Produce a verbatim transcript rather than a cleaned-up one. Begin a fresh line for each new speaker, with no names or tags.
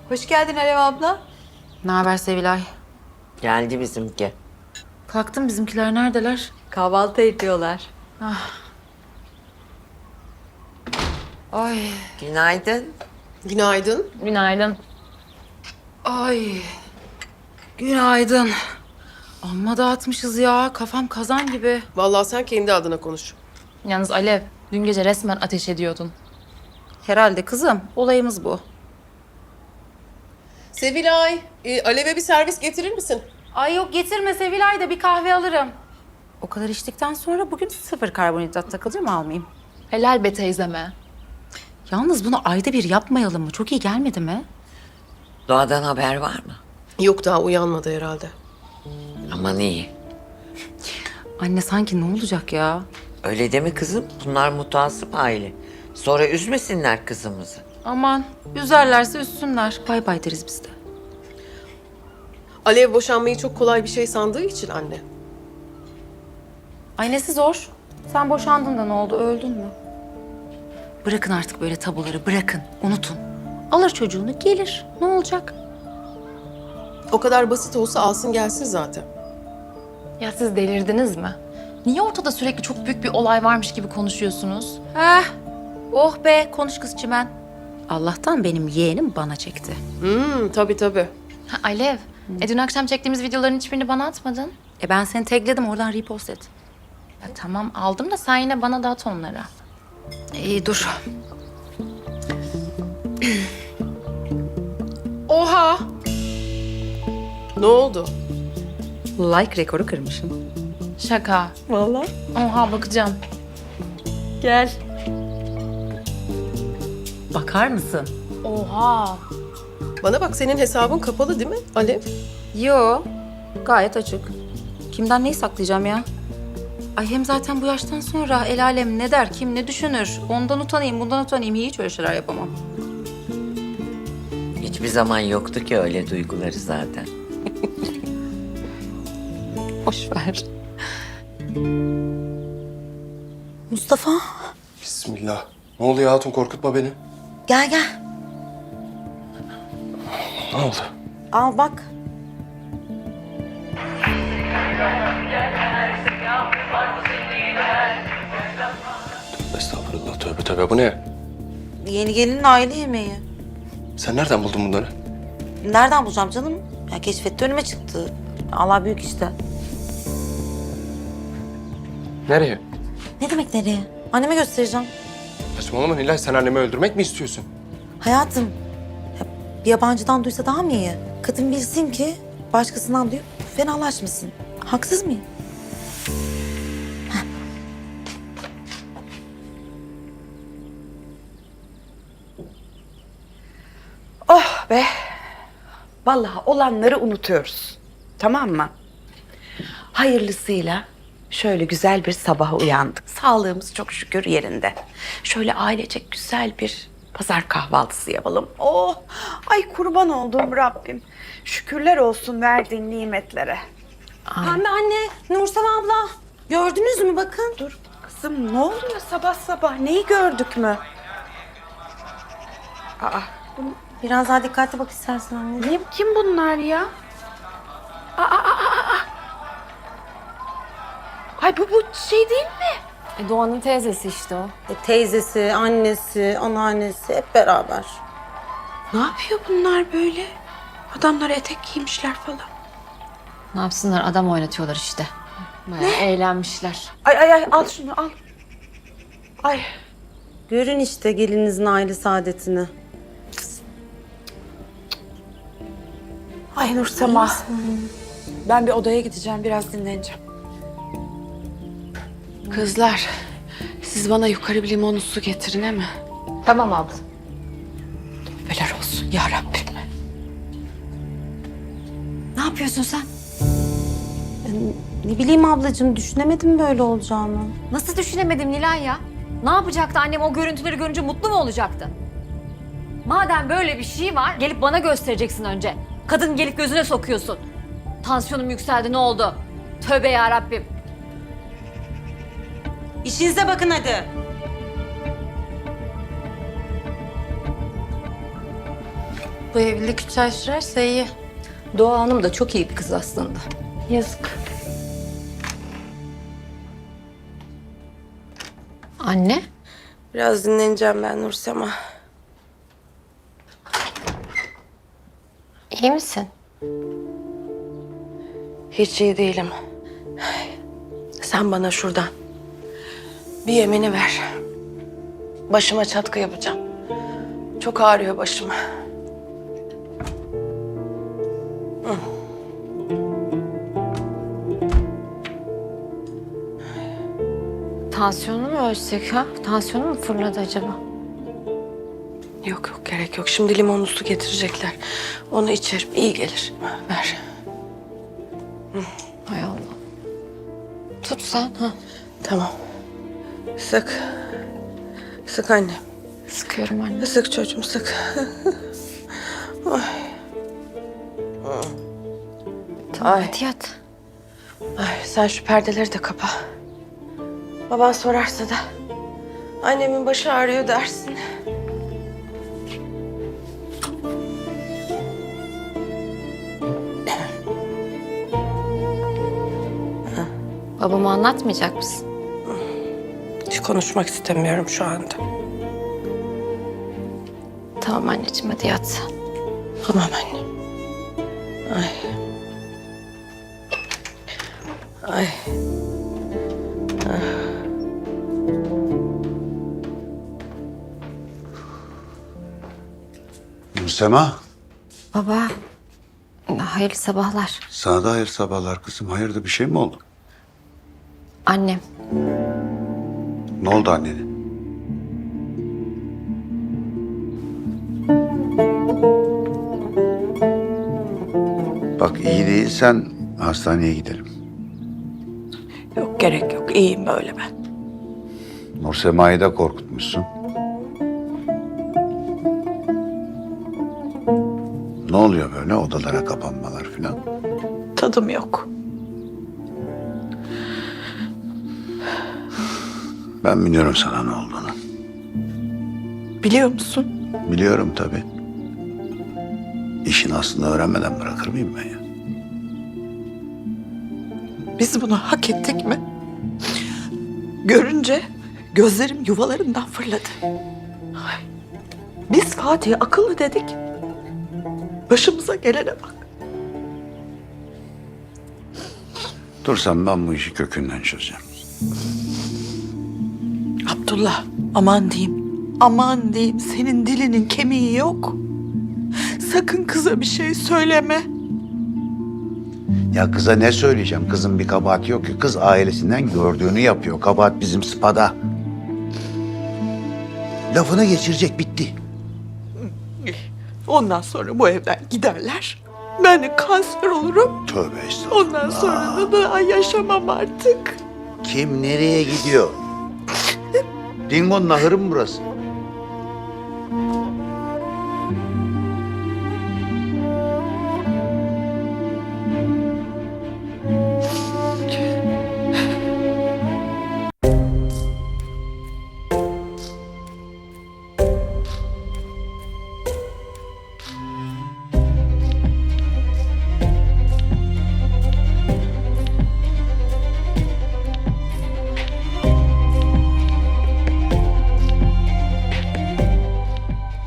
Hoş geldin Alev abla.
Ne haber Sevilay?
Geldi bizimki.
Kalktım, bizimkiler neredeler?
Kahvaltı ediyorlar.
Ay,
Günaydın.
Günaydın.
Günaydın.
ay. Günaydın. Amma dağıtmışız ya. Kafam kazan gibi.
Vallahi sen kendi adına konuş.
Yalnız Alev, dün gece resmen ateş ediyordun.
Herhalde kızım. Olayımız bu.
Sevilay, e, Alev'e bir servis getirir misin?
Ay yok, getirme Sevilay, da bir kahve alırım. O kadar içtikten sonra bugün sıfır karbonhidrat takılacağım, almayayım.
Helal be teyzeme.
Yalnız bunu ayda bir yapmayalım mı? Çok iyi gelmedi mi?
Doğadan haber var mı?
Yok, daha uyanmadı herhalde.
Aman iyi.
Anne sanki ne olacak ya?
Öyle deme kızım. Bunlar mutasip aile. Sonra üzmesinler kızımızı.
Aman, üzerlerse üzsünler. Bay bay deriz biz de.
Alev boşanmayı çok kolay bir şey sandığı için anne.
Ay nesi zor? Sen boşandın da ne oldu? Öldün mü? Bırakın artık böyle tabuları, bırakın. Unutun. Alır çocuğunu, gelir. Ne olacak?
O kadar basit olsa alsın gelsin zaten.
Ya siz delirdiniz mi? Niye ortada sürekli çok büyük bir olay varmış gibi konuşuyorsunuz?
Heh. Oh be, konuş kız çimen. Allah'tan benim yeğenim bana çekti.
Hmm, tabii tabii.
Ha, Alev, e dün akşam çektiğimiz videoların hiçbirini bana atmadın.
E ben seni tagledim, oradan repost et.
Ya tamam aldım da sen yine bana da at onları.
İyi dur.
Oha! Ne oldu?
Like rekoru kırmışım.
Şaka.
Vallahi.
Oha bakacağım.
Gel. Bakar mısın?
Oha.
Bana bak, senin hesabın kapalı değil mi Alev?
Yo, gayet açık. Kimden neyi saklayacağım ya? Ay hem zaten bu yaştan sonra el alem ne der, kim ne düşünür? Ondan utanayım, bundan utanayım. Hiç öyle şeyler yapamam.
Hiçbir zaman yoktu ki öyle duyguları zaten.
Boş ver. Mustafa,
Bismillah. Ne oluyor hatun, korkutma beni.
gel gel.
Ne oldu?
Al bak.
Estağfurullah, tövbe tövbe, bu ne?
Yeni gelinin aile yemeği.
Sen nereden buldun bunları?
Nereden bulacağım canım? Ya keşfetti, önüme çıktı. Allah büyük işte.
Nereye?
Ne demek nereye? Anneme göstereceğim.
Saçmalama Nilay, sen annemi öldürmek mi istiyorsun?
Hayatım, ya bir yabancıdan duysa daha mı iyi? Kadın bilsin ki başkasından duyup fenalaşmasın. Haksız mıyım?
Oh be! Vallahi olanları unutuyoruz. Tamam mı? Hayırlısıyla şöyle güzel bir sabaha uyandık. Sağlığımız çok şükür yerinde. Şöyle ailecek güzel bir pazar kahvaltısı yapalım. Oh! Ay kurban olduğum Rabbim. Şükürler olsun verdiğin nimetlere.
Pembe anne, Nursel abla. Gördünüz mü bakın?
Dur kızım, ne oluyor sabah sabah? Neyi gördük mü? Aa,
Biraz daha dikkatli bak istersen anne.
ne, kim bunlar ya? Aa, aa, aa, aa. Ay bu, bu şey değil mi?
E, Doğan'ın teyzesi işte o.
E, teyzesi, annesi, anneannesi hep beraber.
Ne yapıyor bunlar böyle? Adamlar etek giymişler falan.
Ne yapsınlar adam oynatıyorlar işte. Bayağı eğlenmişler.
Ay ay ay al şunu al. Ay
Görün işte gelinizin aile saadetini.
ay Nursema. Ben bir odaya gideceğim, biraz dinleneceğim. Kızlar, siz bana yukarı bir limonlu su getirin, he mi?
Tamam abla.
Beler olsun ya Rabbim.
Ne yapıyorsun sen? Ne bileyim ablacığım, düşünemedim böyle olacağını.
Nasıl düşünemedim Nilay ya? Ne yapacaktı annem o görüntüleri görünce mutlu mu olacaktı? Madem böyle bir şey var gelip bana göstereceksin önce. Kadın gelip gözüne sokuyorsun. Tansiyonum yükseldi ne oldu? Tövbe ya Rabbim.
İşinize bakın hadi.
Bu evlilik üç ay sürerse iyi.
Doğa Hanım da çok iyi bir kız aslında.
Yazık. Anne?
Biraz dinleneceğim ben Nursema.
İyi misin?
Hiç iyi değilim. Sen bana şuradan bir yemini ver. Başıma çatkı yapacağım. Çok ağrıyor başım.
Tansiyonu mu ölçsek ha? Tansiyonu mu fırladı acaba?
Yok yok gerek yok. Şimdi limonlu su getirecekler. Onu içerim. İyi gelir. Ver.
Hay Allah. Tut sen. Ha.
Tamam. Sık. Sık anne.
Sıkıyorum anne.
Sık çocuğum sık.
Tamam
Ay.
hadi yat.
Ay, sen şu perdeleri de kapa. Baban sorarsa da annemin başı ağrıyor dersin.
Babama anlatmayacak mısın?
Hiç konuşmak istemiyorum şu anda.
Tamam anneciğim hadi yat.
Tamam anne. Ay. Ay.
Nursema,
Baba, hayırlı sabahlar.
sana da hayır sabahlar kızım. Hayırdır bir şey mi oldu?
Annem,
Ne oldu annene? Bak iyi değilsen hastaneye gidelim.
Yok gerek yok. İyiyim böyle ben.
Nursema'yı da korkutmuşsun. Ne oluyor böyle odalara kapanmalar falan?
Tadım yok.
Ben biliyorum sana ne olduğunu.
Biliyor musun?
Biliyorum tabii. İşin aslında öğrenmeden bırakır mıyım ben ya?
Biz bunu hak ettik mi? Görünce gözlerim yuvalarından fırladı. Ay, biz Fatih'e akıllı dedik. Başımıza gelene bak.
Dursam ben bu işi kökünden çözeceğim.
Abdullah, aman diyeyim. Aman diyeyim, senin dilinin kemiği yok. Sakın kıza bir şey söyleme.
Ya kıza ne söyleyeceğim? Kızın bir kabahati yok ki. Kız ailesinden gördüğünü yapıyor. Kabahat bizim sıpada. Lafını geçirecek, bitti.
Ondan sonra bu evden giderler. Ben de kanser olurum.
Tövbe estağfurullah.
Ondan sonra da daha yaşamam artık.
Kim nereye gidiyor? Dingo'nun ahırı mı burası?